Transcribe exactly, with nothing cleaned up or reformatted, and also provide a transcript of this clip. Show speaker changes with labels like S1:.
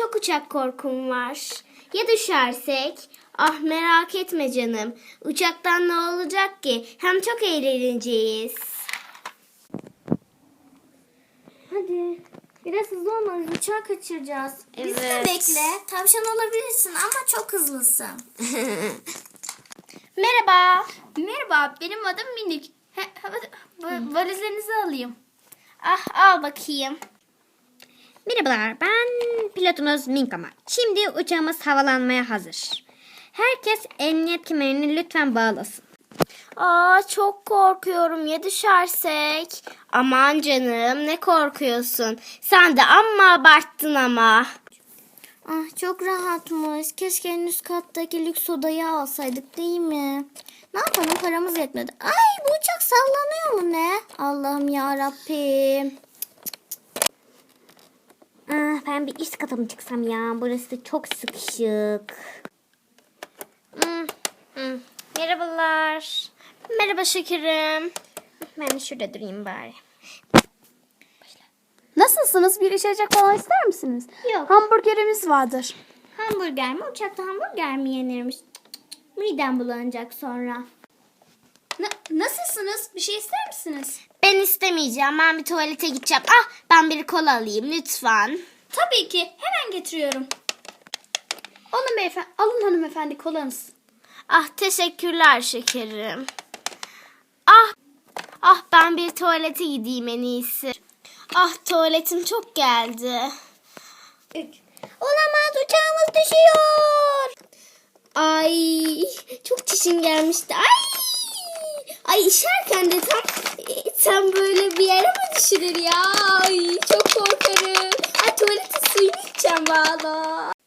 S1: çok uçak korkum var. Ya düşersek? Ah merak etme canım. Uçaktan ne olacak ki? Hem çok eğleneceğiz. Hadi. Biraz hızlı olmalıyız. Uçağı kaçıracağız.
S2: Biz de bekle. Tavşan olabilirsin ama çok hızlısın.
S1: Merhaba.
S2: Merhaba, benim adım Minik. He, va- valizlerinizi alayım.
S1: Ah al bakayım.
S3: Merhabalar, ben pilotunuz Minkama. Şimdi uçağımız havalanmaya hazır. Herkes emniyet kemerini lütfen bağlasın.
S1: Aa çok korkuyorum ya düşersek. Aman canım ne korkuyorsun. Sen de amma abarttın ama.
S2: Ah, çok rahatmış. Keşke en üst kattaki lüks odayı alsaydık değil mi? Ne yapalım, paramız yetmedi. Ay, bu uçak sallanıyor mu ne? Allah'ım ya Rabbim.
S3: Ah, ben bir üst kata mı çıksam ya? Burası da çok sıkışık.
S1: Hmm, hmm. Merhabalar. Merhaba şekerim.
S3: Ben de şurada durayım bari.
S4: Nasılsınız? Bir içecek falan ister misiniz?
S1: Yok.
S4: Hamburgerimiz vardır.
S1: Hamburger mi? Uçakta hamburger mi yenirmiş? Cık, cık, cık. Midem bulanacak sonra.
S2: Nasılsınız? Bir şey ister misiniz?
S1: Ben istemeyeceğim. Ben bir tuvalete gideceğim. Ah ben bir kola alayım lütfen.
S2: Tabii ki. Hemen getiriyorum. Alın beyefendi. Alın hanımefendi kolanız.
S1: Ah teşekkürler şekerim. Ah, ah ben bir tuvalete gideyim en iyisi. Ah tuvaletim çok geldi.
S2: Olamaz, uçağımız düşüyor.
S1: Ay çok çişim gelmişti. Ay, ay işerken de tam, tam böyle bir yere mi düşürür ya? Ay çok korkarım. Ay tuvaletin suyunu içeceğim valla.